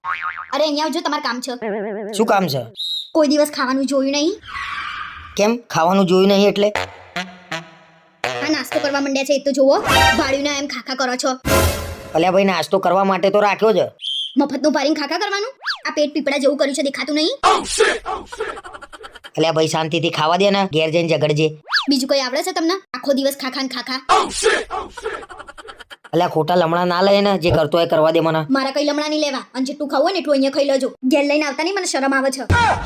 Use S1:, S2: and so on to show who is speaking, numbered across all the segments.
S1: અરે અહીંયા આવજો, તમારે કામ છે.
S2: શું કામ છે?
S1: કોઈ દિવસ ખાવાનું જોયું નહીં?
S2: કેમ ખાવાનું જોયું નહીં એટલે?
S1: આ નાસ્તો કરવા માંડ્યા છે એ તો જુઓ. ભાડ્યું એમ ખાખા કરો છો.
S2: અલ્યા ભાઈ, નાસ્તો કરવા માટે તો રાખ્યો છે.
S1: મફતનું ભરીને ખાખા કરવાનું? આ પેટ પીપળા જેવું કર્યું છે, દેખાતું નહીં?
S2: અલ્યા ભાઈ, શાંતિથી ખાવા દે ને, ઘેર જઈને ઝઘડજે.
S1: બીજું કઈ આવડે છે તમને? આખો દિવસ ખાખા ને ખાખા.
S2: અલ્યા ખોટા લમણા ના લે ને, જે કરતો એ કરવા દે મને.
S1: મારા કઈ લમણા નહીં લેવા, અને જેટલું ખાવું હોય ને એટલું અહીંયા ખાઈ લેજો. ઘેર લઈને આવતા નહીં, મને શરમ આવે છે.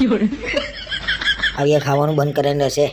S2: હવે ખાવાનું બંધ કરીને રહેશે.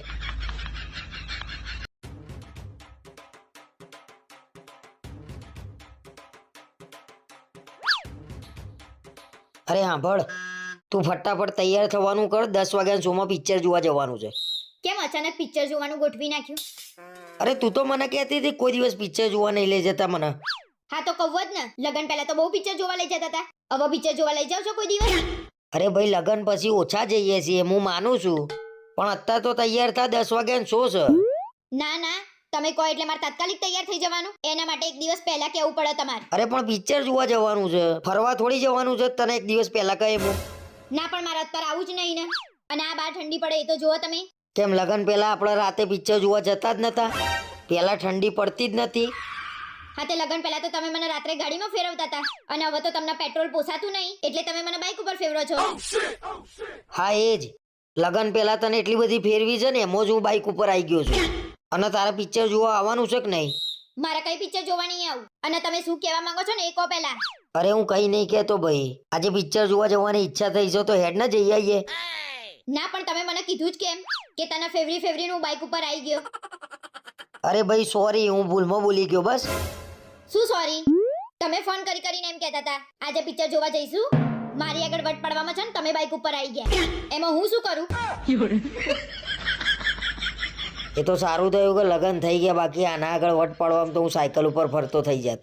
S2: અરે સાંભળ, તું ફટાફટ તૈયાર થવાનું કર. 10 વાગ્યા શોમાં પિક્ચર જોવા જવાનું છે.
S1: કેમ અચાનક પિક્ચર જોવાનું ગોઠવી નાખ્યું?
S2: અરે તું તો મને કહેતી હતી કોઈ દિવસ પિક્ચર જોવા નહીં લઈ જતા મને.
S1: હા તો કહું જ ને, લગન પહેલા તો બહુ પિક્ચર જોવા લઈ જતા હતા. હવે પિક્ચર જોવા લઈ જાવ છો કોઈ દિવસ?
S2: અરે ભાઈ, લગન પછી ઓછા જઈએ છીએ, હું માનું છું, પણ અત્યારે તો તૈયાર થા, 10 વાગ્યા શો છે.
S1: ના ના, તમે કહો એટલે મારે તાત્કાલિક તૈયાર થઈ જવાનું. એના માટે એક દિવસ પહેલા કહેવું પડે તમારે.
S2: અરે પણ પિક્ચર જોવા જવાનું છે, ફરવા થોડી જવાનું છે. તને એક દિવસ પહેલા કહે હું.
S1: ના પણ મારે અત્યારે આવું જ નહીં ને. અને આ બાર ઠંડી પડે એ તો જુઓ તમે.
S2: કેમ લગન પહેલા આપણે રાતે પિક્ચર જોવા જતા જ નતા? પહેલા ઠંડી પડતી જ નથી.
S1: હા તે લગન પહેલા તો તમે મને રાત્રે ગાડીમાં ફેરવતા હતા, અને હવે તો તમને પેટ્રોલ પોસાતું નહીં એટલે તમે મને બાઇક ઉપર ફેરવો છો.
S2: હા એ જ, લગન પહેલા તને એટલી બધી ફેરવી છે ને, એમાં જ હું બાઇક ઉપર આવી ગયો છું. અને તારા પિક્ચર જોવા આવવાનું છે કે નહીં?
S1: મારે કઈ પિક્ચર જોવા નહીં આવું. અને તમે શું કહેવા માંગો છો ને એ કહો પહેલા.
S2: અરે હું કઈ નહીં કહેતો ભાઈ, આજે પિક્ચર જોવા જવાની ઈચ્છા થઈ છે તો હેડ ને જઈ આવીએ.
S1: ના પણ તમે મને કીધું જ કેમ કે તને ફેવરી હું બાઇક ઉપર આવી ગયો?
S2: અરે ભાઈ સોરી, હું ભૂલમાં બોલી ગયો બસ.
S1: શું સોરી? તમે ફોન કરીને એમ કહેતા હતા આજે પિક્ચર જોવા જઈશું. મારી આગળ વટ પડવામાં છે ને તમે બાઇક ઉપર આવી ગયા, એમાં હું શું કરું?
S2: એ તો સારું થયું કે લગન થઈ ગયા, બાકી આના આગળ વટ પાડવામાં તો હું સાયકલ ઉપર ફરતો થઈ જાત.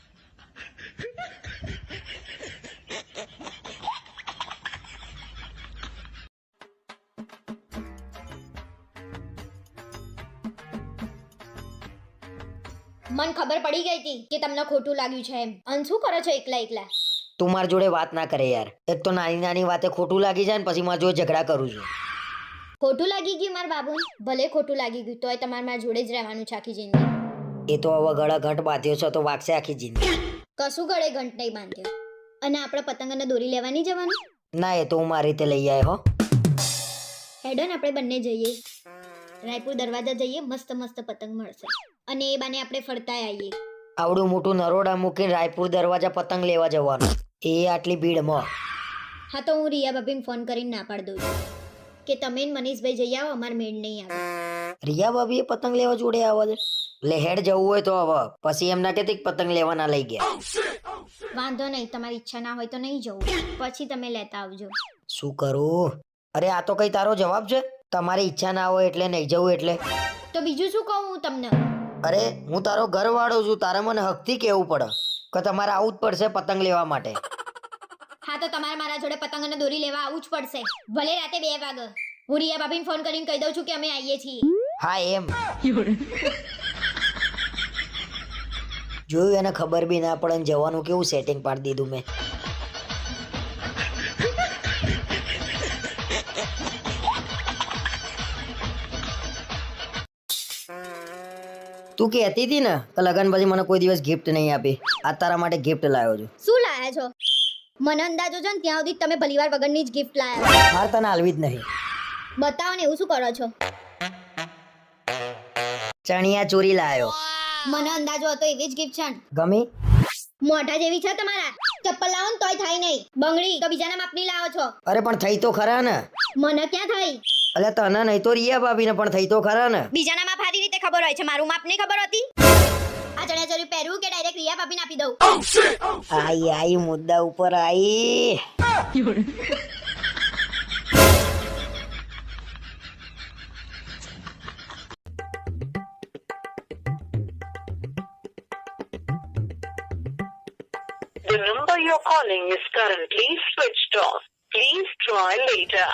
S1: મન ખબર પડી ગઈ હતી કે તમને ખોટું લાગ્યું છે એમ. અને શું કરો છો એકલા એકલા?
S2: તું મારી જોડે વાત ના કરે યાર. એક તો નાની નાની વાતે ખોટું લાગી જાય ને પછી મારી જોડે ઝઘડા કરું છું.
S1: ખોટું લાગી ગયું મારા બાબુ? ભલે ખોટું લાગી ગયું તોય તમારે મારા જોડે જ રહેવાનું છે આખી જિંદગી.
S2: એ તો હવે ગળા ઘટ બાંધ્યો છે તો વાગશે આખી જિંદગી.
S1: કશું ગળે ઘંટ નહીં બાંધ્યો. અને આપણે પતંગને દોરી લેવા નહીં જવાનું?
S2: ના, એ તો હું મારી રીતે લઈ આવ્યો.
S1: હેડો ને આપણે બંને જઈએ રાયપુર દરવાજા જઈએ, મસ્ત મસ્ત પતંગ મળશે અને એ બાને આપણે ફરતા આવીએ.
S2: આવડું મોટું નરોડા મૂકીને રાયપુર દરવાજા પતંગ લેવા જવાનું, એ આટલી ભીડમાં?
S1: હા તો હું રિયા ભાભીને ફોન કરીને ના પાડી દઉં છું કે તમે ને મનીષભાઈ જઈ આવો, અમાર મેળ નહીં આવે.
S2: રિયા ભાભી એ પતંગ લેવા જોડે આવે છે? લે હેડ જવું હોય તો હવે, પછી એમ ના કહેતી પતંગ લેવા ના લઈ ગયા.
S1: વાંધો નહીં, તમારી ઈચ્છા ના હોય તો નહીં જવું, પછી તમે લેતા આવજો.
S2: શું કરું? અરે આ તો કઈ તારો જવાબ છે? તમારી ઈચ્છા ના હોય એટલે નહીં જવું એટલે?
S1: તો બીજું શું કહું હું તમને?
S2: અરે હું તારો ઘરવાળો છું, તારે મને હકથી કહેવું પડે કે તમારે આવું જ પડશે પતંગ લેવા માટે.
S1: હા તો તમારે મારા જોડે પતંગ અને દોરી લેવા આવવું જ પડશે, ભલે રાતે 2 વાગે. હું રિયા ભાભીને ફોન કરીને કહી દઉં છું કે અમે આવીએ છીએ.
S2: હા એમ. જોયું, એને ખબર બી ના પડે ને જવાનું કેવું સેટિંગ પાડી દીધું મેં. તું કહેતી હતી ને કે લગન પછી મને કોઈ દિવસ ગિફ્ટ નહીં આપી, આ તારા માટે ગિફ્ટ લાવ્યો છું.
S1: શું લાયા છો? મને અંદાજો છે ને ત્યાં સુધી તમે ભલીવાર વગરની જ ગિફ્ટ લાયા.
S2: મારે તને આલવી જ નહીં.
S1: બતાવો ને, એવું શું કરો છો?
S2: ચણિયા ચોરી લાવ્યો.
S1: મને અંદાજો હતો એવી જ ગિફ્ટ છે.
S2: ગમી?
S1: મોઢા જેવી છે તમારા. ચપ્પલ લાવો ને તોય થાય નહીં, બંગડી તો બીજાના માપની લાવો છો.
S2: અરે પણ થઈ તો ખરા ને.
S1: મને ક્યાં થઈ?
S2: અલે તને નહીં તો રિયા ભાભીને પણ થઈ તો ખરા ને.
S1: બીજાના માપ સારી રીતે ખબર હોય છે, મારું માપ નહીં ખબર હોતી. આ ચણિયા ચોરી પહેરવું કે ડાયરેક્ટ રિયા ભાભીને આપી દઉં?
S2: આઈ મુદ્દા ઉપર આઈ.
S3: The number you're calling is currently switched off. Please try later.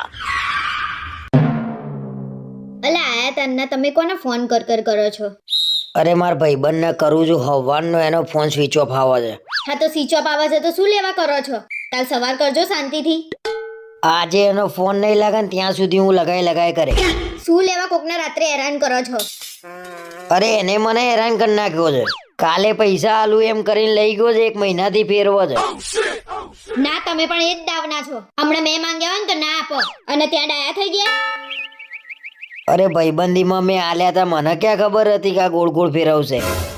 S1: અલા આયા તન્ના, તમે કોને ફોન કરો છો?
S2: અરે માર ભાઈબંધને કરું છું હવારનો, એનો ફોન સ્વિચ ઓફ આવે છે.
S1: હા તો સ્વિચ ઓફ આવે છે તો શું લેવા કરો છો? કાલ સવાર કરજો શાંતિથી.
S2: આજે એનો ફોન નહીં લાગે ને ત્યાં સુધી હું લગાય કરે.
S1: શું લેવા કોકને રાત્રે હેરાન કરો છો?
S2: અરે એને મને હેરાન કરી નાખ્યો છે. કાલે પૈસા આલું એમ કરીને લઈ ગયો છે, 1 મહિનાથી ફેરવો છે.
S1: ના તમે પણ એ જ દાવના છો. હમણાં મેં માંગ્યા હોય ને તો ના આપો અને ત્યાં ડાયા થઈ ગયા.
S2: અરે ભાઈબંધીમાં મેં આલ્યા હતા, મને ક્યાં ખબર હતી કે આ ગોળ ગોળ ફેરવશે.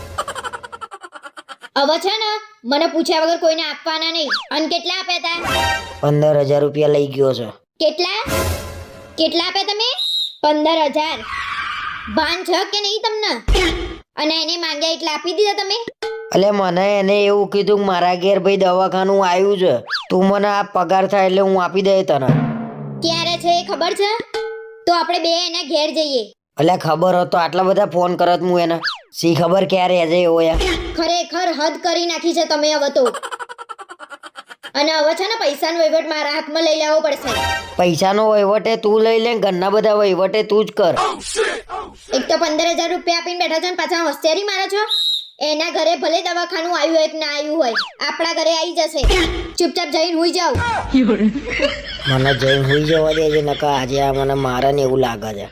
S1: હવે છે ને મને પૂછ્યા વગર કોઈને આપવાના નહીં. અને કેટલા આપ્યા હતા?
S2: 15,000 રૂપિયા લઈ ગયો છે.
S1: કેટલા કેટલા આપ્યા તમે? 15,000. ભાન છે કે નહીં તમને? અને એને માંગ્યા એટલે આપી દીધા તમે?
S2: એટલે મને એને એવું કીધું કે મારા ઘેર ભાઈ દવાખાનું આવ્યું છે, તું મને આ પગાર થાય એટલે હું આપી દે તને.
S1: ક્યારે છે એ ખબર છે? તો આપણે બે એના ઘેર જઈએ.
S2: એટલે ખબર હતો આટલા બધા ફોન કરત હું એને, સી ખબર ક્યારે હજે એવો યાર.
S1: ખરેખર હદ કરી નાખી છે તમે હવે તો. અને હવે છે ને પૈસાનો વહીવટ મારા હાથમાં લઈ લેવો પડશે.
S2: પૈસાનો વહીવટે તું લઈ લે, ઘરના બધા વહીવટે તું જ કર.
S1: એક તો 15,000 રૂપિયા આપીને બેઠા છો ને પાછા હોશિયારી મારો છો. એના ઘરે ભલે દવાખાનું આવ્યું હોય કે ના આવ્યું હોય, આપણા ઘરે આવી જશે. ચૂપચાપ જઈને હુઈ જાવ.
S2: મને જઈને હુઈ જવા દે છે, નકા આજે આ મને મારે ને એવું લાગે છે.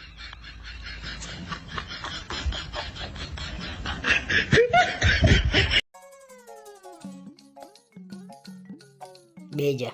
S2: બેજા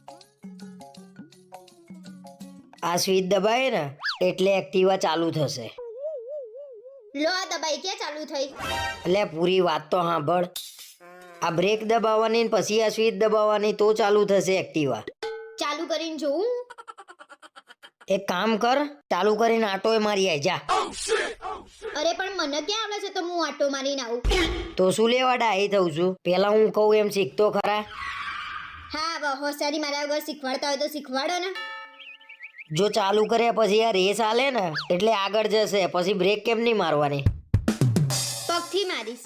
S2: આ સ્વિચ દબાય ને એટલે એક્ટિવા ચાલુ થશે.
S1: લો આ દબાઈ ક્યાં ચાલુ થઈ?
S2: એટલે પૂરી વાત તો સાંભળ. આ બ્રેક દબાવવાની ને પછી આ સ્વિચ દબાવવાની તો ચાલુ થશે એક્ટિવા.
S1: ચાલુ કરીને જોઉં?
S2: એક કામ કર, ચાલુ કરીને આટોય મારી આય જા.
S1: અરે પણ મને ક્યાં આવડે છે તો હું આટો મારીને આવું?
S2: તો શું લેવા ડાહી થઉં છું? પેલા હું કહું એમ શીખતો ખરા.
S1: હા હવે હોશિયારી મારા વગર શીખવાડતા હોય તો શીખવાડો ને.
S2: જો ચાલુ કર્યા પછી આ રેસ આલે ને એટલે આગળ જશે, પછી બ્રેક કેમ નહીં મારવાની?
S1: પગથી મારીશ.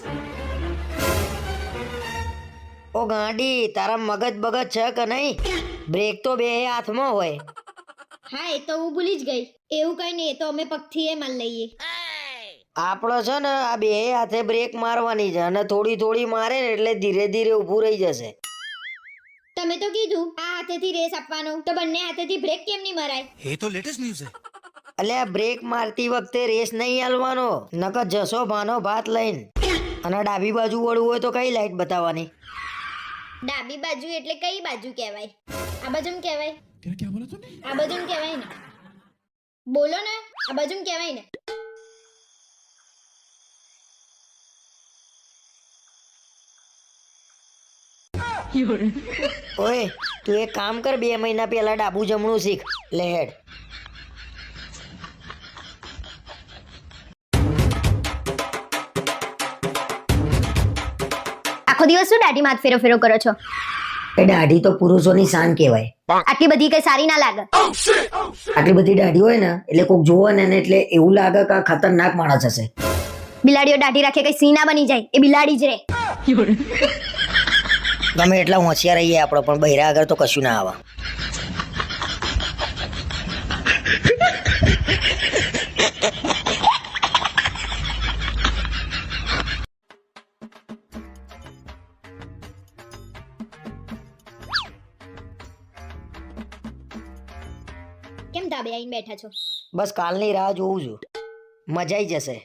S2: ઓ ગાંડી, તારા મગજ બગજ છે કે નહીં? બ્રેક તો બે હાથમાં હોય.
S1: હા એ તો હું ભૂલી જ ગઈ. એવું કઈ નહીં, એ તો અમે પગથી એ માર લઈએ.
S2: આપણો છે ને આ બે હાથે બ્રેક મારવાની છે, અને થોડી થોડી મારે ને એટલે ધીરે ધીરે ઊભું રહી જશે.
S1: તમે તો કીધું આ હાથેથી રેસ આપવાનો, તો બંને હાથેથી બ્રેક કેમ નહીં મરાય?
S4: ये तो लेटेस्ट न्यूज है।
S2: એટલે આ બ્રેક મારતી વખતે રેસ નહીં હાલવાનો, નકર જશો ભાનો ભાત લઈને. અને ડાબી બાજુ વળવું હોય તો કઈ લાઈટ બતાવવાની?
S1: ડાબી બાજુ એટલે કઈ બાજુ કહેવાય? આ બાજુ કહેવાય?
S4: क्या बोला तूने?
S1: આ બાજુ કહેવાય ને? બોલો ને, આ બાજુ કહેવાય ને?
S2: ઓય તું એક કામ કર, 2 મહિના પહેલા ડાબુ જમણું શીખ. લે હેડ.
S1: આખો દિવસ શું દાઢી માથ ફેરો ફેરો કરો છો?
S2: એ દાઢી તો પુરુષોની શાન કહેવાય.
S1: આટલી બધી કઈ સારી ના લાગે.
S2: આટલી બધી દાઢી હોય ને એટલે કોક જોવે ને એટલે એવું લાગે કે આ ખતરનાક માણસ હશે.
S1: બિલાડીઓ દાઢી રાખે કઈ સિંહ ના બની જાય, એ બિલાડી જ રે.
S2: ગમે એટલા હોશિયાર રહીએ આપણે, પણ બૈરા આગળ તો કશું ના આવે.
S1: કેમ ધાબે આવીને બેઠા છો?
S2: બસ કાલની રાહ જોઉં છું, મજા આવી જશે.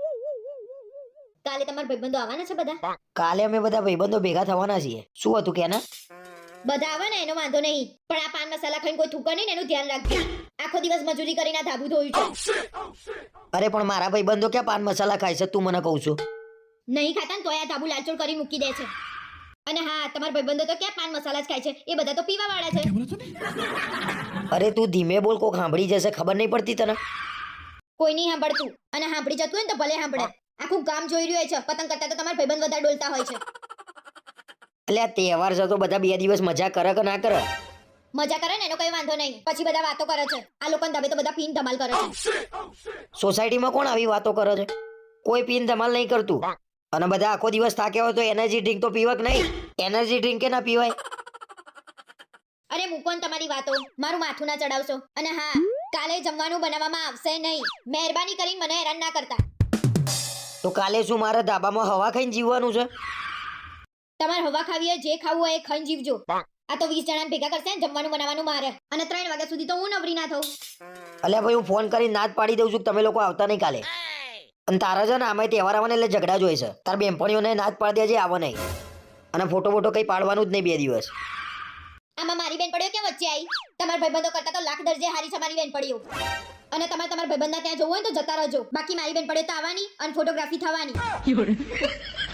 S1: કાલે તમારા ભાઈબંધો આવવાના છે બધા?
S2: કાલે અમે બધા ભાઈબંધો ભેગા થવાના છીએ. શું હતું કે ના?
S1: બધા આવે ને એનો વાંધો નહીં, પણ આ પાન મસાલા ખાઈને કોઈ થૂકે નહીં ને એનું ધ્યાન રાખજો. આખો દિવસ મજૂરી કરીને આ ધાબુ ધોયું છે.
S2: અરે પણ મારા ભાઈબંધો ક્યાં પાન મસાલા ખાય છે, તું મને કહું છું?
S1: નહીં ખાતા ને તોય આ ધાબુ લાલચોળ કરી મૂકી દે છે. અને હા તમારા ભાઈબંધો તો ક્યાં પાન મસાલા જ ખાય છે, એ બધા તો પીવા વાળા છે.
S4: क्या बोला तूने?
S2: અરે તું ધીમે બોલ, કોક સાંભળી જશે, ખબર નહીં પડતી તને?
S1: કોઈ નહીં સાંભળતું, અને સાંભળી જતું હોય ને તો ભલે સાંભળે. આખું ગામ જોઈ રહ્યું હોય છે, પતંગ કરતા તો તમારા ભાઈબંધ વધારે ડોલતા હોય છે.
S2: એટલે આ તહેવાર છે તો બધા 2 દિવસ મજા કરે કે ના કરે?
S1: મજા કરે ને એનો કઈ વાંધો નહીં, પછી બધા વાતો કરે છે. આ લોકોને ધાબે તો બધા પીન ધમાલ કરે છે.
S2: સોસાયટીમાં કોણ આવી વાતો કરે છે? કોઈ પીન ધમાલ નહીં કરતું. અને બધા આખો દિવસ થાક્યા હોય તો એનર્જી ડ્રિંક તો પીવા કે નહીં? એનર્જી ડ્રિંક કે ના પીવાય?
S1: અરે મૂકો ને તમારી વાતો, મારું માથું ના ચડાવશો. અને હા કાલે જમવાનું બનાવવામાં આવશે નહીં. મહેરબાની કરીને મને હેરાન ના કરતા.
S2: તો કાલે શું મારા ધાબામાં હવા ખાઈને જીવવાનું છે?
S1: તમારે હવા ખાવી હોય, જે ખાવું હોય એ ખાઈને જીવજો. આ તો 20 જણાને ભેગા કરશે ને જમવાનું બનાવવાનું મારે અને 3 વાગ્યા સુધી તો હું નવરી ના થઉં.
S2: અલ્યા ભાઈ હું ફોન કરીને ના જ પાડી દઉં છું કે તમે લોકો આવતા નહીં કાલે. અને તારા છે ને આમાં તહેવાર આવવાને એટલે ઝઘડા જોઈ છે. તાર બેનપણીઓને ના જ પાડી દેજે આવો નહીં. અને ફોટો કઈ પાડવાનું જ નહીં 2 દિવસ.
S1: આમાં મારી બેનપણીઓ કેમ વચ્ચે આવી? તમારા ભાઈબંધો કરતા તો લાખ દરજે હારી છે મારી બેનપણીઓ. અને તમારા ભાઈબંધના ત્યાં જવું હોય તો જતા રહેજો. બાકી મારી બેનપણીઓ તો આવવાની અને ફોટોગ્રાફી થવાની.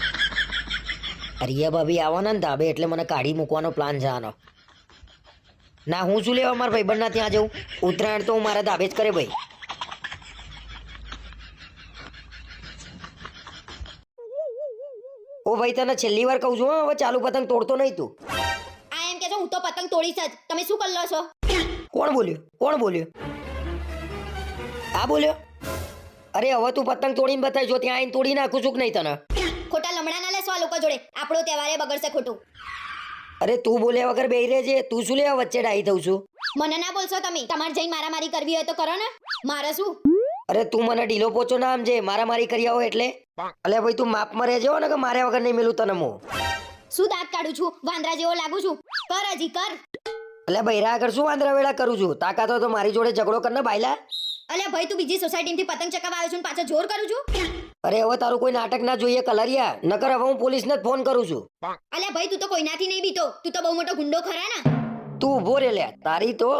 S2: રિયા ભાભી આવવાના ને ધાબે એટલે મને કાઢી મૂકવાનો પ્લાન છે આનો. ના હું શું લેવા મારા ભાઈબંધના ત્યાં જઉં? ઉત્તરાયણ તો હું મારા ધાબે જ કરે ભાઈ. ઓ ભાઈ તને છેલ્લી વાર કહું છું હો, હવે ચાલુ પતંગ તોડતો નહીં તું.
S1: આ એમ કે છો હું તો પતંગ તોડીશ જ. તમે શું કરી લો છો?
S2: કોણ બોલ્યો? આ બોલ્યો? અરે હવે તું પતંગ તોડીને બતાવી, જો ત્યાં આવીને તોડી નાખું છું કે નહીં તને?
S1: ખોટા લમણા ના લેશો આ લોકો જોડે. આપણો તહેવારે બગડશે ખોટું.
S2: અરે તું બોલ્યા વગર બેહી રહેજે. તું શું લેવા વચ્ચે ડાહી થઉં છું?
S1: મને ના બોલશો તમે. તમારે જઈને મારામારી કરવી હોય તો કરો ને. મારે શું?
S2: અરે તું મને ઢીલો પોચો ના સમજે. મારામારી કરી આવો એટલે. અલે ભાઈ તું માપમાં રહેજો ને કે માર્યા વગર નહીં મેલું તને હું.
S1: શું દાંત કાઢું છું? વાંદરા જેવો લાગુ છું? કર હજી કર.
S2: એટલે બૈરા આગળ શું વાંદરા વેળા કરું છું? તાકાત હોય તો મારી જોડે ઝઘડો કર ને બાયલા.
S1: અલ્યા ભાઈ તું બીજી સોસાયટીમાંથી પતંગ ચકાવવા આવ્યો છું ને પાછો જોર કરું છું?
S2: અરે હવે તારું કોઈ નાટક ના જોઈએ કલરિયા. નકર હવે હું પોલીસને જ ફોન કરું છું.
S1: અલ્યા ભાઈ તું તો કોઈનાથી નહીં બીતો. તું તો બહુ મોટો ગુંડો ખરા ને.
S2: તું ઉભો રે લ્યા. તારી તો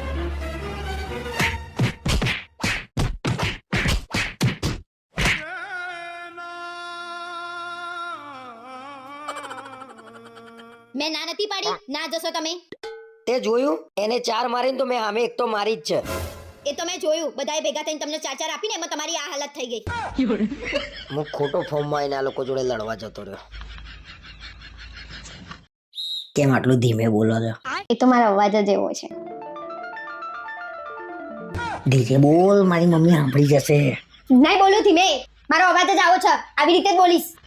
S1: મેં ના નથી પાડી. ના જશો તમે.
S2: તે જોયું? એને 4 મારીને તો મેં સામે એક તો મારી જ છે.
S1: એ તો મેં જોયું. બધાએ ભેગા થઈને તમને 4 આપીને એમાં તમારી આ હાલત થઈ ગઈ.
S2: હું ખોટો ફોર્મમાં આવીને આ લોકો જોડે લડવા જતો રહ્યો. કેમ આટલું ધીમે બોલો છો?
S1: એ તો મારો અવાજ જ એવો છે.
S2: ધીરે બોલ, મારી મમ્મી સાંભળી જશે.
S1: નહીં બોલું ધીમે. મારો અવાજ જ આવો છે. આવી રીતે જ બોલીશ.